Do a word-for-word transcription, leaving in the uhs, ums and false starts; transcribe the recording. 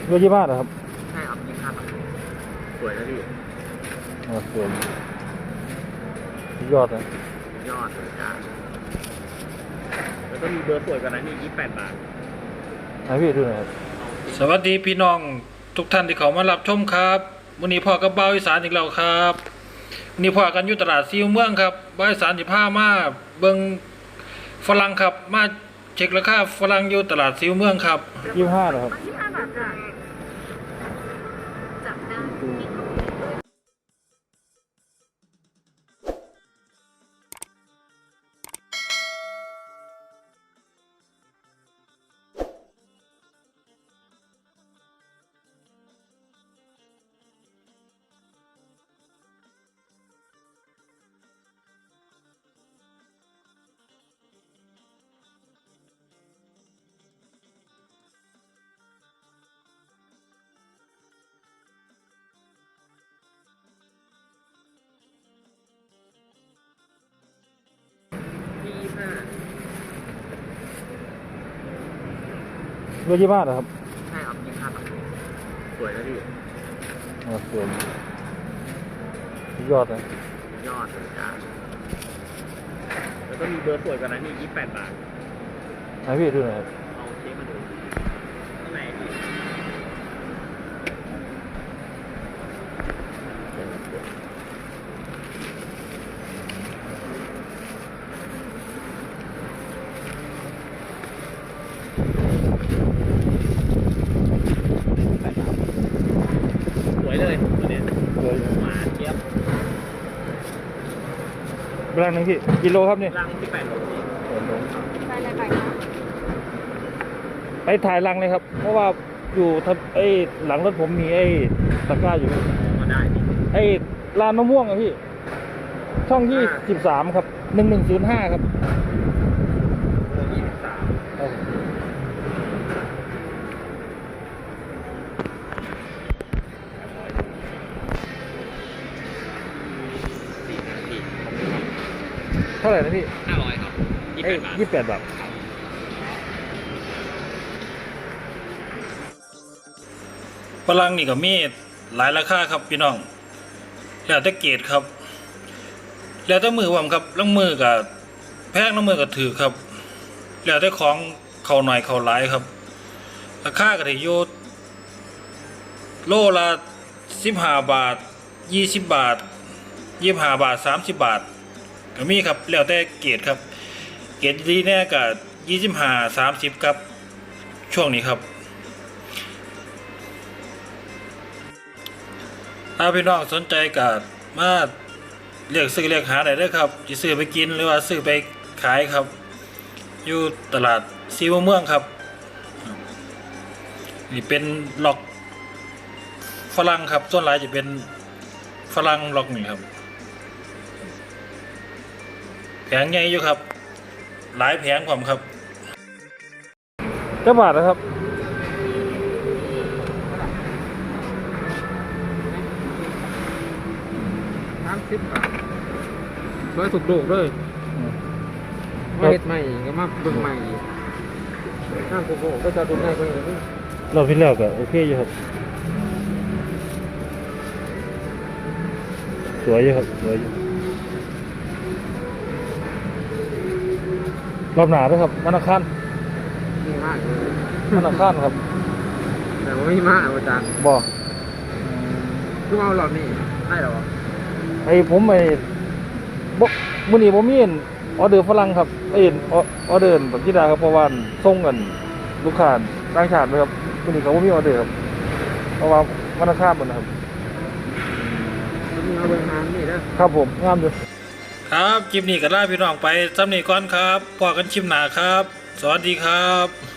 เบอร์ยี่ห้าเหรอครับใช่ครับยี่ห้าบาทสวยนะพี่อ๋อสวยยอดนะยอดเลยจ้าแล้วก็มีเบอร์สวยกว่านั้นนี่ยี่สิบแปดบาทให้พี่ดูหน่อยครับสวัสดีพี่น้องทุกท่านที่เขามารับชมครับวันนี้พ่อกับเบ้าอีสานอีกแล้วครับวันนี้พ่อกันอยู่ตลาดซีเมืองครับเบ้าอีสานสิบห้ามาเบิ่งฝรั่งครับมาเช็คราคาฝรั่งอยู่ตลาดซีเมืองครับยี่ห้าเหรอครับยี่ห้าบาทจ้ะจับได้ยี่ห้าเบอร์ยี่ห้าเหรอครับใช่ครับยี่ห้าบาทสวยนะพี่อ๋อสวยยอดนะยอดเลยจ้าแล้วก็มีเบอร์สวยกว่านั้นนี่ยี่สิบแปดบาทให้พี่ดูหน่อยครับเอาเช็คมาดูข้างในพี่สวยเลยตัวนี้มาเทียบรังนึงพี่กิโลครับนี่รังที่แปดโลไปเลยไปไปถ่ายรังเลยครับเพราะว่าอยู่ไอ้หลังรถผมมีไอ้ตะกร้าอยู่ก็ได้ไอ้ลานมะม่วงอะพี่ช่องยี่สิบสามครับหนึ่งหนึ่งศูนย์ห้าครับยี่สิบสามเท่าไหร่นะพี่ห้าร้อยครับยี่สิบแปดบาทยี่สิบแปดบาทฝรั่งนี่ก็มีหลายราคาครับพี่น้องแล้วแต่เกรดครับแล้วแต่มือผมครับลังมือกับแพงลังมือกับถือครับแล้วแต่ของเขาหน่อยเขาหลายครับราคาก็ได้อยู่โลละสิบห้าบาทยี่สิบบาทยี่สิบห้าบาทสามสิบบาทก็มีครับแล้วแต่เกรดครับเกรดดีแน่กับยี่สิบห้าสามสิบครับช่วงนี้ครับถ้าพี่น้องสนใจก็มาเรียกซื้อเรียกหาได้เด้อครับจะซื้อไปกินหรือว่าซื้อไปขายครับอยู่ตลาดซีเมืองครับนี่เป็นล็อกฝรั่งครับส่วนหลายจะเป็นฝรั่งล็อกนี่ครับแผงใหญ่อยู่ครับหลายแผงผมครับเจ้าบาทนะครับสามสิบบาทร้อยถูกโดกเลยมาเฮ็ดใหม่ก็มาเบิ่งใหม่ห้างโกโก้ก็จะดูง่ายกว่านี้เราพิจารณาก็โอเคอยู่ครับสวยอยู่ครับสวยอยู่รอบหนาด้วยครับวันอังคารมีมากเลยวันอังคารครับแต่ว่าไม่มากอาจารย์บอกคือเอาหลอดนี่ได้หรอไอ้ผมไอ้บ่มื้อนี้บ่มีออเดอร์ฝรั่งครับไอ้ออเดอร์แบบที่ดาครับเพราะว่าส่งกันลูกค้าต่างชาติเลยครับมื้อนี้เขาบ่มีออเดอร์ครับเพราะว่าวันอังคารหมดนะครับมีเอาเบิ่งงานนี่นะครับผมงามอยู่ครับคลิปนี้ก็ลาพี่น้องไปซ้ำนี้ก่อนครับพบกันคลิปหน้าครับสวัสดีครับ